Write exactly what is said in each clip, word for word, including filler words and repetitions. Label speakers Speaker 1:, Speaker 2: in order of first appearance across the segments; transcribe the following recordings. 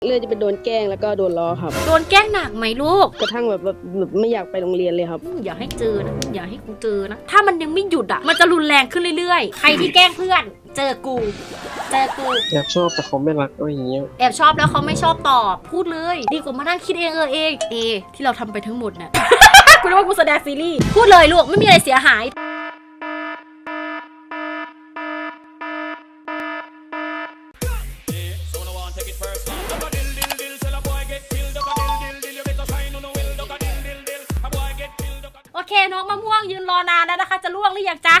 Speaker 1: เรื่องจะเป็นโดนแกล้งแล้วก็โดนล้อครับ
Speaker 2: โดนแกล้งหนักไหมลูก
Speaker 1: กระทั่งแบบแบบไม่อยากไปโรงเรียนเลยครับ
Speaker 2: อย่าให้เจอนะอย่าให้กูเจอนะถ้ามันยังไม่หยุดอ่ะมันจะรุนแรงขึ้นเรื่อยๆใครที่แกล้งเพื่อนเจอกูเจอกู
Speaker 3: แอบชอบแต่เขาไม่รักอะไรอย่างเงี้ย
Speaker 2: แอบชอบแล้วเขาไม่ชอบตอบพูดเลยดีกว่ามานั่งคิดเองเออเองเอที่เราทำไปทั้งหมดน่ะ กูนึกว่ากูแสดงซีรีส์พูดเลยลูกไม่มีอะไรเสียหายโอเคน้องมะม่วงยืนรอนานแล้วนะคะจะล่วงหรือยังจ๊ะ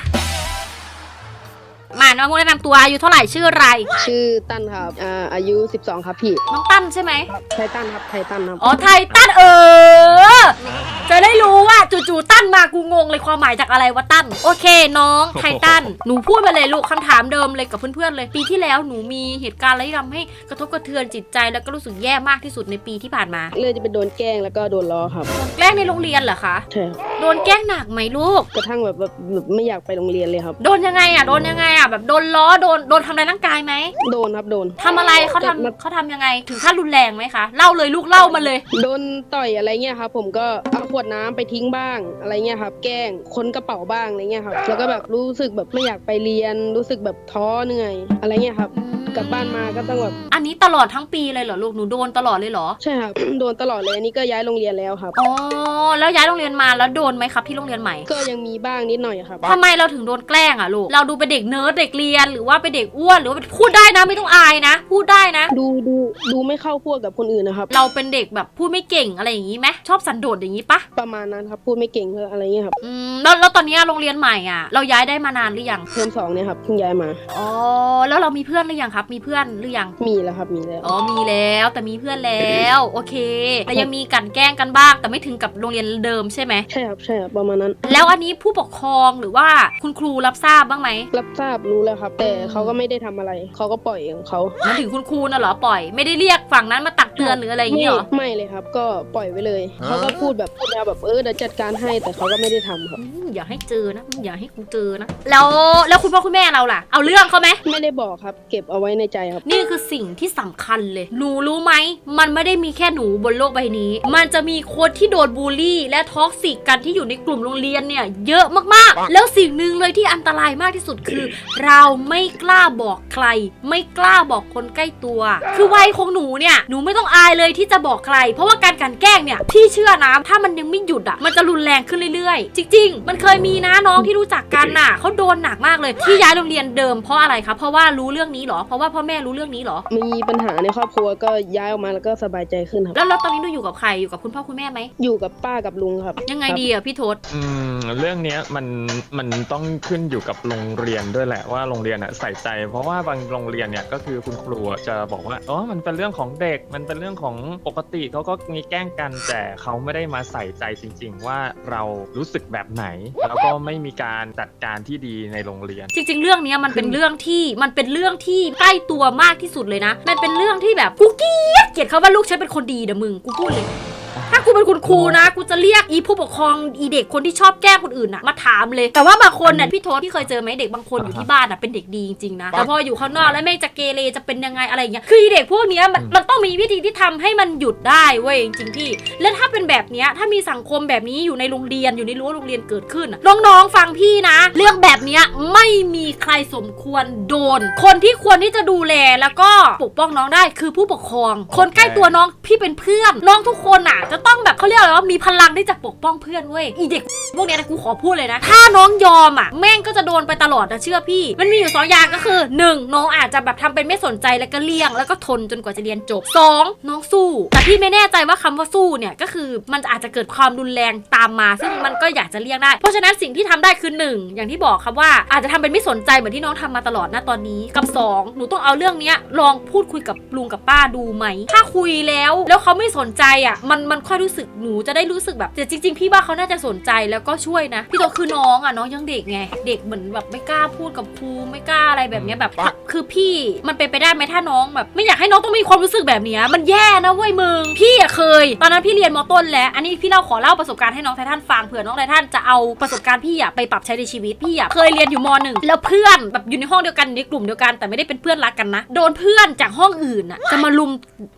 Speaker 2: มาน้องมะม่วงแนะนำตัวอายุเท่าไหร่ชื่ออะไร
Speaker 1: ชื่อตั้นครับอ่าอายุสิบสองครับพี่
Speaker 2: น้องตั้นใช่ไหม
Speaker 1: ไทตั้นครับไทตั้นครับ
Speaker 2: อ๋อไทตั้นเออจะได้รู้ว่าจู่ๆตั้นมากูงงเลยความหมายจากอะไรวะตั้นโอเคน้องไทตั้นหนูพูดมาเลยลูกคำถามเดิมเลยกับเพื่อนๆเลยปีที่แล้วหนูมีเหตุการณ์อะไรที่ทำให้กระทบกระเทือนจิตใจแล้วก็รู้สึกแย่มากที่สุดในปีที่ผ่านมา
Speaker 1: เรื่องจะเป็นโดนแกล้งแล้วก็โดนล้อครับ
Speaker 2: โดนแกล้งในโรงเรียนเหรอคะ
Speaker 1: ใช่
Speaker 2: โดนแกล้งหนักไหมลูก
Speaker 1: กระทั่งแบบแบบไม่อยากไปโรงเรียนเลยครับ
Speaker 2: โดนยังไงอ่ะโดนยังไงอ่ะแบบโดนล้อโดนโดนทำร้ายร่างกายไหม
Speaker 1: โดนครับโดน
Speaker 2: ทำอะไรเขาทำเขาทำยังไงถึงขั้นรุนแรงไหมคะเล่าเลยลูกเล่ามาเลย
Speaker 1: โดนต่อยอะไรเงี้ยครับผมก็เอาขวดน้ำไปทิ้งบ้างอะไรเงี้ยครับแกล้งค้นกระเป๋าบ้างอะไรเงี้ยครับแล้วก็แบบรู้สึกแบบไม่อยากไปเรียนรู้สึกแบบท้อเหนื่อยอะไรเงี้ยครับกลับบ้านมาก็ต้องแบบ
Speaker 2: อันนี้ตลอดทั้งปีเลยเหรอลูกหนูโดนตลอดเลยเหรอ
Speaker 1: ใช่ครับ โดนตลอดเลยอันนี้ก็ย้ายโรงเรียนแล้วครับ
Speaker 2: อ๋อแล้วย้ายโรงเรียนมาแล้วโดนไหมครับที่โรงเรียนใหม่
Speaker 1: ก็ยังมีบ้างนิดหน่อยครับ
Speaker 2: ทำไมเราถึงโดนแกล้งอ่ะลูกเราดูเป็นเด็กเนิร์ดเด็กเรียนหรือว่าเป็นเด็กอ้วนหรือว่าพูดได้นะไม่ต้องอายนะพูดได้นะ
Speaker 1: ดูดูดูไม่เข้าพวกกับคนอื่นนะครับ
Speaker 2: เราเป็นเด็กแบบพูดไม่เก่งอะไรอย่างนี้ไหมชอบสันโดษอย่างนี้ปะ
Speaker 1: ประมาณนั้นครับพูดไม่เก่งอะไรเงี้ยครับ
Speaker 2: อืมแล้วแล้วตอนนี้โรงเรียนใหม่อ่ะเราย้ายได้มานานหรือยัง
Speaker 1: เทอมสองเนี่ยครับเพิ่งย้ายมา
Speaker 2: อ๋อแล้วเรามีเพื่อนหรือยังครับมีเพื่อนหรือยัง
Speaker 1: มีแล้วครับมีแล้ว
Speaker 2: อ๋อมีแล้วแต่มีเพื่อนแล้วโอเคแต่ยังมีกันแกล้งกันบ้างแต่ไม่ถึงกับโรงเรียนเดิมใช่ไหม
Speaker 1: ใช่ครับใช่ครับประมาณนั้น
Speaker 2: แล้วอันนี้ผู้ปกครองหรือว่าคุณครูรับทราบบ้างไหม
Speaker 1: รับทราบรู้แล้วครับแต่เขาก็ไม่ได้ทำอะไรเขาก็ปล่อยของเขา
Speaker 2: มันถึงคุณครูน่ะเหรอปล่อยไม่ได้เรียกฝั่งนั้นมาตักเตือนหรืออะไรอย่างเงี้ยหรอ
Speaker 1: ไม่เลยครับก็ปล่อยไว้เลยเขาก็พูดแบบพูดแบบเออเดี๋ยวจัดการให้แต่เขาก็ไม่ได้ทำครับ
Speaker 2: อย่าให้เจอนะอย่าให้กูเจอนะแล้วแล้วคุณพ่อคุณแม่เราล่ะเอาเรื่องเขาไหม
Speaker 1: ไม่ได้บอกครับเก็บเอาไว้ในใจครับ
Speaker 2: นี่คือสิ่งที่สำคัญเลยหนูรู้ไหมมันไม่ได้มีแค่หนูบนโลกใบนี้มันจะมีคนที่โดนบูลลี่และท็อกซิกกันที่อยู่ในกลุ่มโรงเรียนเนี่ยเยอะมากๆแล้วสิ่งหนึ่งเลยที่อันตรายมากที่สุดคือเราไม่กล้าบอกใครไม่กล้าบอกคนใกล้ตัวคือวัยของหนูเนี่ยหนูไม่ต้องอายเลยที่จะบอกใครเพราะว่าการกลั่นแกล้งเนี่ยพี่เชื่อนะถ้ามันยังไม่หยุดอ่ะมันจะรุนแรงขึ้นเรื่อยๆจริงๆมันเคยมีนะน้องที่รู้จักกันน่ะเขาโดนหนักมากเลยที่ย้ายโรงเรียนเดิมเพราะอะไรครับเพราะว่ารู้เรื่องนี้หรอเพราะว่าพ่อแม่รู้เรื่องนี้หรอ
Speaker 1: มีปัญหาในครอบครัวก็ย้ายออกมาแล้วก็สบายใจขึ้นครับ
Speaker 2: แล้วแล้วตอนนี้หนูอยู่กับใครอยู่กับคุณพ่อคุณแม่ไหม
Speaker 1: อยู่กับป้ากับลุงครับ
Speaker 2: ยังไงดีอ่ะพี่ทศ
Speaker 3: อืมเรื่องนี้มันมันต้องขึ้นอยู่กับโรงเรียนด้วยแหละว่าโรงเรียนอ่ะใส่ใจเพราะว่าบางโรงเรียนเนี่ยก็คือคุณครูจะบอกว่าอ๋อมันเป็นเรื่องของเด็กมันเป็นเรื่องของปกติเขาก็มีแกล้งกันแต่เขาไม่ได้มาใส่ใจจริงๆว่าเรารู้สึกแบบไหนแล้วก็ไม่มีการจัดการที่ดีในโรงเรียน
Speaker 2: จริงๆเรื่องนี้มันเป็นเรื่องที่มันเป็นเรื่องที่ใกล้ตัวมากที่สุดเลยนะมันเป็นเรื่องที่แบบกูเกลียดเกลียดเขาว่าลูกฉันเป็นคนดีเด้อมึงกูพูดเลยถ้ากูเป็นคุณครูนะกูจะเรียกอีผู้ปกครองอีเด็กคนที่ชอบแกล้งคนอื่นน่ะมาถามเลยแต่ว่าบางคนเนี่ยพี่โทษพี่เคยเจอไหมเด็กบางคนอยู่ที่บ้านน่ะเป็นเด็กดีจริงๆนะแต่พออยู่ข้างนอกแล้วแม่งจะเกเรจะเป็นยังไงอะไรอย่างเงี้ยคือเด็กพวกนี้มันมันต้องมีวิธีที่ทำให้มันหยุดได้เว้ยจริงๆพี่และถ้าเป็นแบบนี้ถ้ามีสังคมแบบนี้อยู่ในโรงเรียนอยู่ในรั้วโรงเรียนเกิดขึ้นน้องๆฟังพี่นะเรื่องแบบนี้ไม่มีใครสมควรโดนคนที่ควรที่จะดูแลแล้วก็ปกป้องน้องได้คือผู้ปกครองคนใกล้ตัวน้องพี่เป็นเพื่อนน้องทุกคนอ่ะจะต้องแบบเขาเรียกอะไรว่ามีพลังที่จะปกป้องเพื่อนเว้ยอีเด็กพวกนี้นะกูขอพูดเลยนะถ้าน้องยอมอ่ะแม่งก็จะโดนไปตลอดนะเชื่อพี่มันมีอยู่สองอย่างก็คือหนึ่งน้องอาจจะแบบทำเป็นไม่สนใจแล้วก็เลี่ยงแล้วก็ทนจนกว่าจะเรียนจบสองน้องสู้แต่พี่ไม่แน่ใจว่าคำว่าสู้เนี่ยก็คือมันอาจจะเกิดความรุนแรงตามมาซึ่งมันก็อยากจะเลี่ยงได้เพราะฉะนั้นสิ่งที่ทำได้คือหนึ่งอย่างที่บอกครับว่าอาจจะทำเป็นไม่สนใจเหมือนที่น้องทำมาตลอดนะตอนนี้กับสองหนูต้องเอาเรื่องนี้ลองพูดคุยกับลุงกับป้าดูไหมถ้าคุยแล้วแล้วเขาไม่สนใจอ่ะมันมันค่อยรู้สึกหนูจะได้รู้สึกแบบแต่จริงๆพี่ว่าเขาน่าจะสนใจแล้วก็ช่วยนะพี่โตคือน้องอ่ะน้องยังเด็กไงเด็กเหมือนแบบไม่กล้าพูดกับครูไม่กล้าอะไรแบบนี้แบบคือพี่มันเป็นไปได้ไหมถ้าน้องแบบไม่อยากให้น้องต้องมีความรู้สึกแบบนี้มันแย่นะเว้ยมึงพี่อะเคยตอนนั้นพี่เรียนม.ต้นแล้วอันนี้พี่เล่าขอเล่าประสบการณ์ให้น้องไททันฟังเผื่อน้องไททันจะเอาประสบการณ์พี่อะไปปรับใช้ในชีวิตพี่อะเคยเรียนอยู่ม.หนึ่งแล้วเพื่อนแบบอยู่ในห้องเดียวกันในกลุ่มเดียวกันแต่ไม่ได้เป็นเพื่อนรักกันนะโดนเพื่อนจากห้องอื่นอะจะมาลุม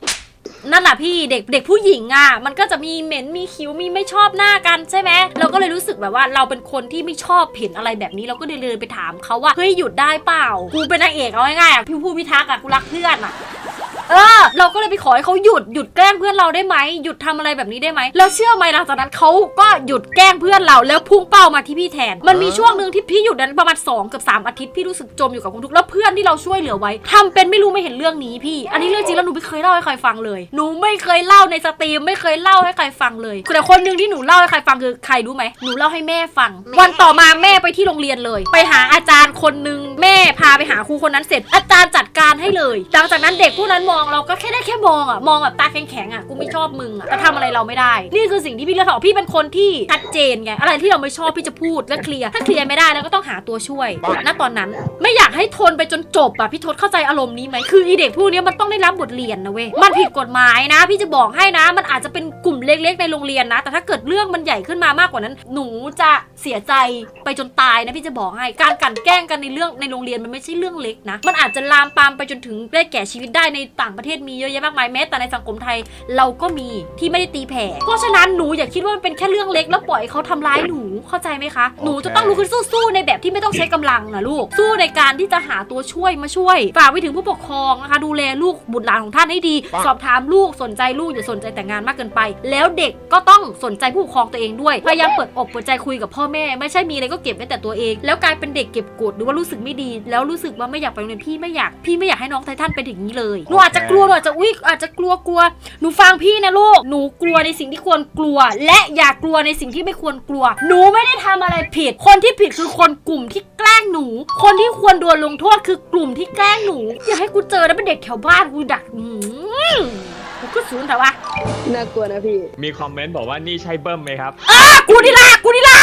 Speaker 2: นั่นแหละพี่เด็กเด็กผู้หญิงอ่ะมันก็จะมีเหม็นมีคิ้วมีไม่ชอบหน้ากันใช่ไหมเราก็เลยรู้สึกแบบว่าเราเป็นคนที่ไม่ชอบเห็นอะไรแบบนี้เราก็เลยเดินไปถามเขาว่าเฮ้ยหยุดได้เปล่ากูเป็นนางเอกเอาง่ายๆอ่ะพี่ผู้พิทักษ์อ่ะกูรักเพื่อนอ่ะเออเราก็เลยไปขอให้เขาหยุดหยุดแกล้งเพื่อนเราได้ไหมหยุดทำอะไรแบบนี้ได้ไหมแล้วเชื่อไหมหลังจากนั้นเขาก็หยุดแกล้งเพื่อนเราแล้วพุ่งเป้ามาที่พี่แทนมันมีช่วงหนึ่งที่พี่หยุดนั้นประมาณสองกับสามอาทิตย์พี่รู้สึกจมอยู่กับความทุกข์แล้วเพื่อนที่เราช่วยเหลือไว้ทำเป็นไม่รู้ไม่เห็นเรื่องนี้พี่อันนี้เรื่องจริงแล้วหนูไม่เคยเล่าให้ใครฟังเลยหนูไม่เคยเล่าในสตรีมไม่เคยเล่าให้ใครฟังเลยแต่คนหนึ่งที่หนูเล่าให้ใครฟังคือใครรู้ไหมหนูเล่าให้แม่ฟังวันต่อมาแม่ไปที่โรงเรียนเลยไปหาอาจารย์คนหนึ่งแม่พาไปหาครูคนนั้นเสร็จอาจารย์จัดการให้เลยหลังจากนั้นเด็กผู้นั้นมองเราก็แค่ได้แค่มองอ่ะมองแบบตาแข็งๆอ่ะกูไม่ชอบมึงอ่ะแต่ทำอะไรเราไม่ได้นี่คือสิ่งที่พี่เลือกออกพี่เป็นคนที่ชัดเจนไงอะไรที่เราไม่ชอบพี่จะพูดและเคลียร์ถ้าเคลียร์ไม่ได้แล้วก็ต้องหาตัวช่วยณตอนนั้นไม่อยากให้ทนไปจนจบอ่ะพี่ทศเข้าใจอารมณ์นี้ไหมคืออีเด็กพวกนี้มันต้องได้รับบทเรียนนะเว้ยมันผิดกฎหมายนะพี่จะบอกให้นะมันอาจจะเป็นกลุ่มเล็กๆในโรงเรียนนะแต่ถ้าเกิดเรื่องมันใหญ่ขึ้นมามากกว่านั้นหนูจะเสียใจไปจนตายนะพี่จะบอกให้การกลั่นแกล้งกันในเรื่องในโรงเรียนมันไม่ใช่เรื่องเล็กนะมันอาจจะลามปามไปจนถึงได้แก่ชีวิตได้ในต่างประเทศมีเยอะแยะมากมายแม้แต่ในสังคมไทยเราก็มีที่ไม่ได้ตีแผ่เพราะฉะนั้นหนูอย่าคิดว่ามันเป็นแค่เรื่องเล็กแล้วปล่อยเขาทำร้ายหนูเข้าใจไหมคะหนูจะต้องลุกขึ้นสู้ๆในแบบที่ไม่ต้องใช้กำลังนะลูกสู้ในการที่จะหาตัวช่วยมาช่วยฝากไปถึงผู้ปกครองนะคะดูแลลูกบุตรหลานของท่านให้ดีสอบถามลูกสนใจลูกอย่าสนใจแต่งานมากเกินไปแล้วเด็กก็ต้องสนใจผู้ปกครองตัวเองด้วยพยายามเปิดอกเปิดใจคุยกับพ่อแม่ไม่ใช่มีอะไรก็เก็บไว้แต่ตัวเองแล้วกลายเป็นเด็กเก็บกดหรือว่ารู้สึกไม่ดีแล้วรู้สึกว่าไม่อยากไปโรงเรียนพี่ไม่อยากพี่ไม่อยากให้น้องไททันเป็นอย่างนี้เลยหนูอาจจะกลัวหนูอาจจะอุ๊ยอาจจะกลัวกลัวหนูฟังพี่นะลูกหนูกลัวในสิ่งที่ควรกลัวและอย่ากลัวในสิ่งที่ไม่ควรกลัวหนูไม่ได้ทำอะไรผิดคนที่ผิดคือคนกลุ่มที่แกล้งหนูคนที่ควรโดนลงโทษคือกลุ่มที่แกล้งหนูอย่าให้กูเจอแล้วเป็นเด็กแถวบ้านกูดักหืมกูก็สูนแต่ว่า
Speaker 1: น่ากลัวนะพี่
Speaker 3: มีคอมเมนต์บอกว่านี่ใช่เบิ้มไหมครับ
Speaker 2: อ่ะกูนี่ละกูนี่ละ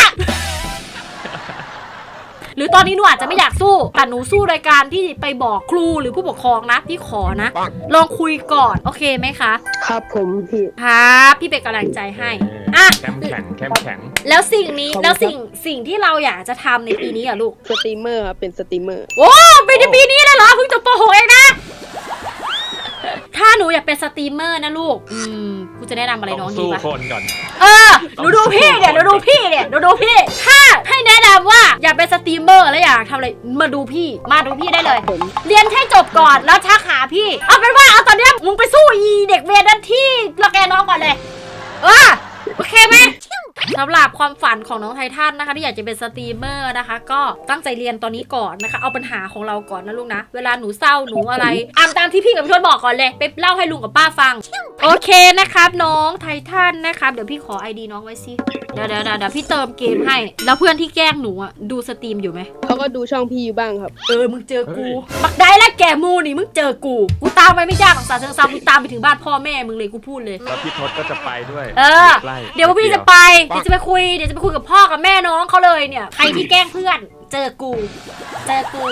Speaker 2: หรือตอนนี้หนูอาจจะไม่อยากสู้แต่หนูสู้รายการที่ไปบอกครูหรือผู้ปกครองนะพี่ขอนะลองคุยก่อนโอเคไหมคะ
Speaker 1: ครับผมพี่
Speaker 2: ครับพี่เป็นกำลังใจให้อ่ะ
Speaker 3: เข้มแข็งเข้มแข็ง
Speaker 2: แล้วสิ่งนี้แล้วสิ่งสิ่งที่เราอยากจะทำในปีนี้อ่ะลูก
Speaker 1: สตรีมเมอร์ครับเป็นสตรีมเมอร์
Speaker 2: โอ้เป็นในปีนี้เลยเหรอเพิ่งจบป.หก เองนะถ้าหนูอยากเป็นสตรีมเมอร์นะลูกอืมกูจะแนะนำอะไรน้องดีวะ
Speaker 3: สู้คนก่อน
Speaker 2: เออหนูดูพี่เนี่ยหนูดูพี่เนี่ยหนูดูพี่ถ้าให้แนะนำว่าอยากเป็นสตรีมเมอร์แล้วอยากทำอะไรมาดูพี่มาดูพี่ได้เลยเรียนให้จบก่อนแล้วทักหาพี่เอาเป็นว่าเอาตอนนี้มึงไปสู้อีเด็กเวรนั่นที่ละแกน้องก่อนเลยเออโอเคไหมสำหรับความฝันของน้องไททันนะคะที่อยากจะเป็นสตรีมเมอร์นะคะก็ตั้งใจเรียนตอนนี้ก่อนนะคะเอาปัญหาของเราก่อนนะลูกนะเวลาหนูเศร้าหนูอะไรอ่านตามที่พี่กับพี่ทวดบอกก่อนเลยไปเล่าให้ลุงกับป้าฟังโอเคนะครับน้องไททันนะครับเดี๋ยวพี่ขอ ไอ ดี น้องไว้สิเดี๋ยวเดี๋ยวเดี๋ยวพี่เติมเกมให้แล้วเพื่อนที่แกล้งหนูอ่ะดูสตรีมอยู่ไหม
Speaker 1: เขาก็ดูช่องพี่อยู่บ้างครับ
Speaker 2: เออมึงเจอกูบักได้แล้วแกมูนี่มึงเจอกูกูตามไปไม่ยากหรอกสาเชิงซากูตามไปถึงบ้านพ่อแม่มึงเลยกูพูดเลย
Speaker 3: แล้วพี่ทศก็จะไปด้วย
Speaker 2: เออเดี๋ยวพี่จะไปเดี๋ยวจะไปคุยเดี๋ยวจะไปคุยกับพ่อกับแม่น้องเขาเลยเนี่ยใครที่แกล้งเพื่อนเจอกูเจอกู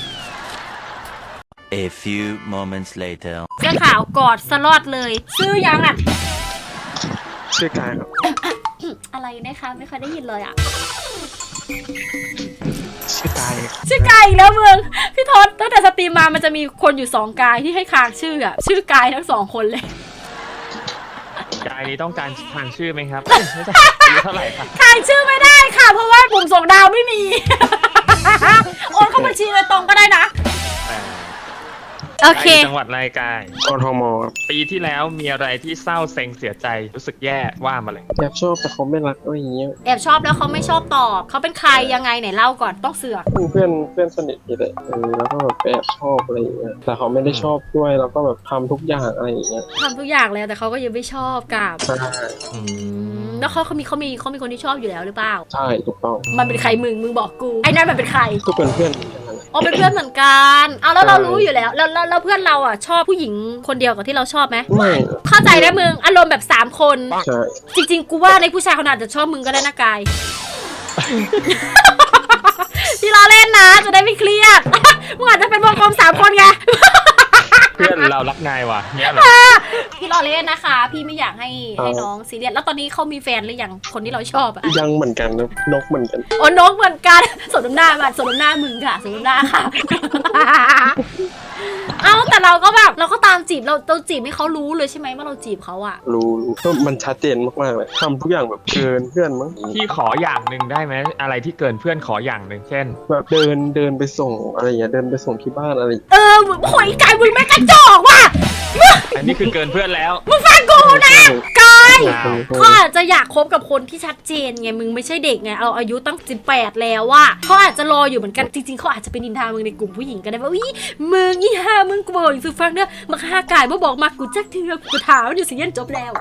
Speaker 4: A few moments later
Speaker 2: เสื้อขาวกอดสลอดเลยชื่อยังอ่ะ
Speaker 3: ชื่อกายครับ
Speaker 2: อะไรนะคะไม่เคยได้ยินเลยอ่ะ
Speaker 3: ชื่อกาย
Speaker 2: ชื่อกายอีกแล้วมึงพี่ทศตั้งแต่สตรีมมามันจะมีคนอยู่สองกายที่ให้ค้างชื่ออ่ะชื่อกายทั้งสองคนเลย
Speaker 3: กายนี้ต้องการทางชื่อไหมครับไม่ใช่เท่าไหร่ครับ
Speaker 2: ทางชื่อไม่ได้ค่ะเพราะว่าปุ่มส่งดาวไม่มีโอนเข้าบัญชีเลยตรงก็ได้นะโอเค
Speaker 3: จังหวัดรายการกทมปีที่แล้วมีอะไรที่เศร้าเซ็งเสียใจรู้สึกแย่ว่ามาเลย
Speaker 5: แอบชอบแต่เขาไม่รักอะไรอย่างเงี้ย
Speaker 2: แอบชอบแล้วเขาไม่ชอบตอบเขาเป็นใครยังไงไหนเล่าก่อนต้องเสือก
Speaker 5: เพื่อนเพื่อนสนิทนี่แหละเออแล้วก็แบบแอบชอบอะไรอย่างเงี้ยแต่เขาไม่ได้ชอบด้วยแล้วก็แบบทำทุกอย่างอะไรอย่างเงี้ย
Speaker 2: ทำทุกอย่างแล้วแต่เขาก็ยังไม่ชอบกับ
Speaker 5: ใช่
Speaker 2: แล้วเขาเขามีเขามีเขามีคนที่ชอบอยู่แล้วหรือเปล่า
Speaker 5: ใช่ถูกต้อง
Speaker 2: มันเป็นใครมึงมึงบอกกูไอ้นั่นมันเป็นใคร
Speaker 5: ก็เป็นเพื่อน
Speaker 2: อ๋อเป็นเพื่อนเหมือนกันเอาแล้วเรารู้อยู่แล้วแล้วแล้วเพื่อนเราอ่ะชอบผู้หญิงคนเดียวกับที่เราชอบไหม
Speaker 5: ไม่
Speaker 2: เข้าใจได้มึงอารมณ์แบบสามคน
Speaker 5: ใช่
Speaker 2: จริงๆกูว่าในผู้ชายเขาอาจจะชอบมึงก็ได้นะกายที่เราเล่นนะจะได้ไม่เครียดมึงอาจจะเป็นวงกลมสามคนไง
Speaker 3: เพื่อนเรารักนายว่ะเนี่ยเหรอ
Speaker 2: พี่รอเล่นนะคะพี่ไม่อยากให้ให้น้องซีเรียสแล้วตอนนี้เขามีแฟนหรือยังคนที่เราชอบอะ
Speaker 5: ยังเหมือนกันนะนกเหมือนกัน
Speaker 2: โอ้นกเหมือนกันสมน้ำหน้ามันสมน้ำหน้ามึงค่ะสมน้ำหน้าค่ะเอ้าแต่เราก็แบบเราก็ตามจีบเราเราจีบให้เขารู้เลยใช่ไหมว่าเราจีบเขาอะ
Speaker 5: รู้รู้ก็มันชัดเจนมากๆเลยทำทุกอย่างแบบเกินเพื่อนมั้ง
Speaker 3: พี่ขออย่างหนึ่งได้ไหมอะไรที่เกินเพื่อนขออย่างหนึ่งเช่น
Speaker 5: แบบเดินเดินไปส่งอะไรอย่างเงี้ยเดินไปส่งที่บ้านอะไรอย่างเงี้ย
Speaker 2: เออโหยกายมึงแม่งกระจอกว่ะ
Speaker 3: อันนี้คือเกินเพื่อนแล้ว
Speaker 2: มึงฟังกูนะกาย
Speaker 3: อ้าว
Speaker 2: เขาอาจจะอยากคบกับคนที่ชัดเจนไงมึงไม่ใช่เด็กไงเราอายุตั้งสิบแปดแล้วว่าเขาอาจจะรออยู่เหมือนกันจริงๆเขาอาจจะเป็นนินทามึงในกลุ่มผู้หญิงก็ได้ว่าวิมึงยี่ห้ามึงกูบอกอยู่ฟังเด้อมาฆ่ากายมาบอกมากูจักเถื่อกูถามอยู่สิยันจบแล้ว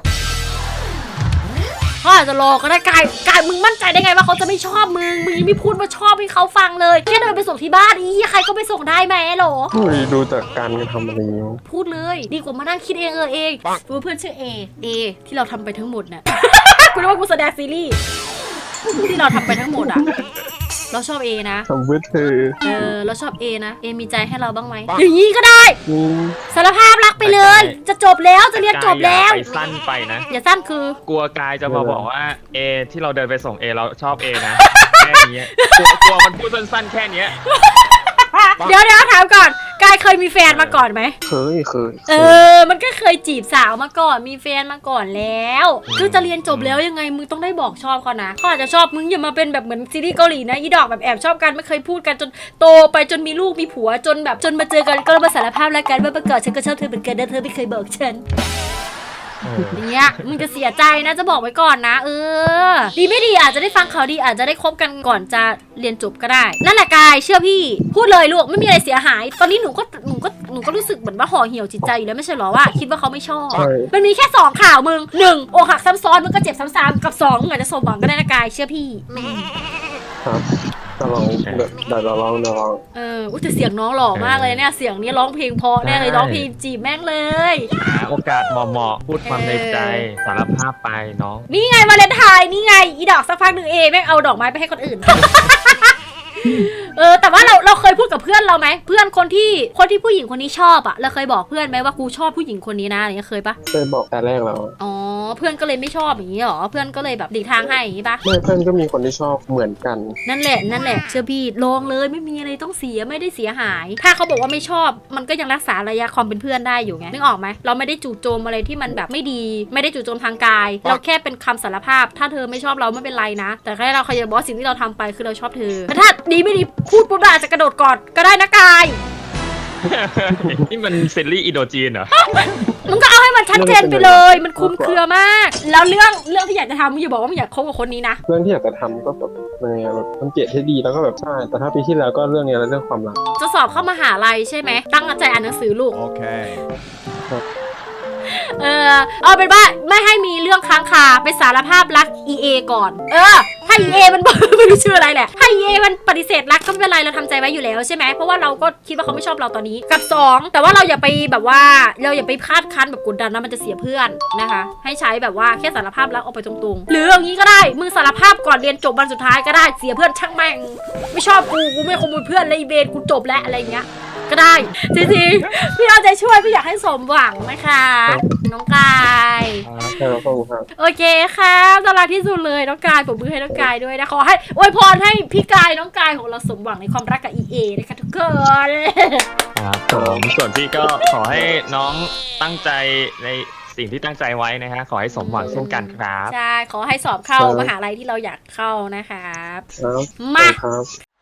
Speaker 2: เขาอาจจะรอก็ได้กายกายมึงมั่นใจได้ไงว่าเขาจะไม่ชอบมึงมึงยังไม่พูดว่าชอบให้เขาฟังเลยแค่เดินไปส่งที่บ้านอีใครก็ไปส่งได้ไหมหรอ
Speaker 5: เฮ้ยดูจากการกระทำอะไรอย่างเงี้ย
Speaker 2: พูดเลยดีกว่ามานั่งคิดเองเออเองรู้เพื่อนชื่อเอเอที่เราทำไปทั้งหมดน่ะ กูนึกว่ากูแสดงซีรีส์ที่เราทำไปทั้งหมดอ่ะเราชอบเอนะ
Speaker 5: ทำเพื่อเธอ
Speaker 2: เออเราชอบเอนะเอมีใจให้เราบ้างไหมอย่างนี้ก็ได้
Speaker 5: อืม
Speaker 2: สารภาพรักไปเลย จะจบแล้วจะเรียนจบแล้ว
Speaker 3: ไปสั้นไปนะ
Speaker 2: อย่าสั้นคือ
Speaker 3: กลัวกายจะมาบอกว่าเอที่เราเดินไปส่งเอเราชอบเอนะ แค่นี้กลัวกลัวมันพูดสั้นๆแค่เนี้ย
Speaker 2: เดี๋ยวเดี๋ยวถามก่อนกายเคยมีแฟนมาก่อนไหม
Speaker 5: เคยเคย
Speaker 2: เออ มันก็เคยจีบสาวมาก่อน มีแฟนมาก่อนแล้วก็จะเรียนจบแล้วยังไง มึงต้องได้บอกชอบเขานะเขาอาจจะชอบมึงอย่ามาเป็นแบบเหมือนซีรีส์เกาหลีนะ อีดอกแบบแอบชอบกันไม่เคยพูดกันจนโตไปจนมีลูกมีผัวจนแบบจนมาเจอกันก็มาสารภาพแล้วกันว่าเมื่อก่อนฉันก็ชอบเธอเหมือนกันนะเธอไม่เคยบอกฉัน อย่างเงี้ยมึงจะเสียใจนะจะบอกไว้ก่อนนะเออดีไม่ดีอาจจะได้ฟังข่าวดีอาจจะได้คบกันก่อนจะเรียนจบก็ได้นั่นแหละกายเชื่อพี่พูดเลยลูกไม่มีอะไรเสียหาย ตอนนี้หนูก็หนูก็หนูก็รู้สึกเหมือนว่าห่อเหี่ยวจิตใจอยู่แล้วไม่ใช่หรอว่าคิดว่าเขาไม่ชอบ
Speaker 5: ใช่
Speaker 2: มันมีแค่สองข่าวมึงหนึ่งอกหักซ้ำซ้อนมึงก็เจ็บซ้ำๆกับสองมึงอาจจะสมหวังก็ได้นะกายเชื่อพี่
Speaker 5: ครับจะลองเดี๋ยวเดี๋ยวเราลองเดี๋ยวลอง
Speaker 2: เอออุ้ยแต่เสียงน้องหล่อมากเลยเนี่ยเสียงนี้ร้องเพลงเพราะแน่เลยร้องเพลงจีบแม่งเลย
Speaker 3: หาโอกาสเหมาะๆพูดความในใจสารภาพไปน้อง
Speaker 2: นี่ไงวาเลนไทน์นี่ไงอีดอกสักพักหนึ่งเอแม่งเอาดอกไม้ไปให้คนอื่น เออแต่ว่าเราเราเคยพูดกับเพื่อนเราไหมเพื่อนคนที่คนที่ผู้หญิงคนนี้ชอบอะเราเคยบอกเพื่อนไหมว่ากูชอบผู้หญิงคนนี้นะอะไรเงี้ยเคยปะ
Speaker 5: เคยบอกแต่แรกแล้ว
Speaker 2: อ๋อเพื่อนก็เลยไม่ชอบอย่างนี้หรอเพื่อนก็เลยแบบหลีกทางให้อย่างนี้ปะ
Speaker 5: ไม่เพื่อนก็มีคนที่ชอบเหมือนกัน
Speaker 2: นั่นแหละนั่นแหละเชื่อพี่ลองเลยไม่มีอะไรต้องเสียไม่ได้เสียหาย ถ้าเขาบอกว่าไม่ชอบมันก็ยังรักษาระยะความเป็นเพื่อนได้อยู่ไงนึกออกไหมเราไม่ได้จู่โจมอะไรที่มันแบบไม่ดีไม่ได้จู่โจมทางกาย เราแค่เป็นคำสารภาพ ถ้าเธอไม่ชอบเราไม่เป็นไรนะ แต่แค่เราขยันบอกสิ่งที่เราทำไปคือเราชอบเธอแต่ถ้าดีไม่ดีพูดปุ๊บเราอาจจะกระโดดกอดก็ได้นะกาย
Speaker 3: นี่มันเซรีส์อินโดจีนเหรอ
Speaker 2: มึงก็เอาให้มันชัดเจนไปเลย มันคลุมเครือมาก แล้วเรื่องเรื่องที่อยากจะทำมึงอย่าบอกว่ามึงอยากคบกับคนนี้นะ
Speaker 5: เรื่องที่อยากจะทำก็แบบยังไงอะแบบสังเกตให้ดีแล้วก็แบบใช่แต่ถ้าปีที่แล้วก็เรื่องเนี้ยแล้วเรื่องความรัก
Speaker 2: จะสอบเข้ามหาลัยใช่ไหมตั้งใจอ่านหนังสือลูก
Speaker 4: Okay.
Speaker 2: เออเอาเป็นว่าไม่ให้มีเรื่องค้างคาไปสารภาพรัก อี เอ ก่อน เออ ถ้า อี เอ มัน ไม่รู้ชื่ออะไรแหละถ้า อี เอ มันปฏิเสธรักก็ไม่เป็นไรเราทำใจไว้อยู่แล้วใช่ไหมเพราะว่าเราก็คิดว่าเขาไม่ชอบเราตอนนี้กับสองแต่ว่าเราอย่าไปแบบว่าเราอย่าไปคาดคั้นแบบกดดันนะมันจะเสียเพื่อนนะคะให้ใช้แบบว่าแค่สารภาพรักออกไปตรงๆหรืออย่างนี้ก็ได้มึงสารภาพก่อนเรียนจบวันสุดท้ายก็ได้เสียเพื่อนช่างแม่งไม่ชอบกูกูไม่ขโมยเพื่อนเลยอีเบนกูจบแล้วอะไรอย่างเงี้ยก็ได้จริงๆพี่เอาใจช่วยพี่อยากให้สมหวังนะคะน้องกาย
Speaker 5: ใช่แล้วก็ครับ
Speaker 2: โอเคค่ะน่ารักที่สุดเลยน้องกายผมมือให้น้องกายด้วยนะขอให้อวยพรให้พี่กายน้องกายของเราสมหวังในความรักกับ อี เอ นะคะทุกคน
Speaker 3: ครับผมส่วนพี่ก็ขอให้น้องตั้งใจในสิ่งที่ตั้งใจไว้นะฮะขอให้สมหวังเช่นกันครับ
Speaker 2: ใช่ขอให้สอบเข้ามหาลัยที่เราอยากเข้านะครับ
Speaker 5: ครับ
Speaker 2: มา
Speaker 5: ครับ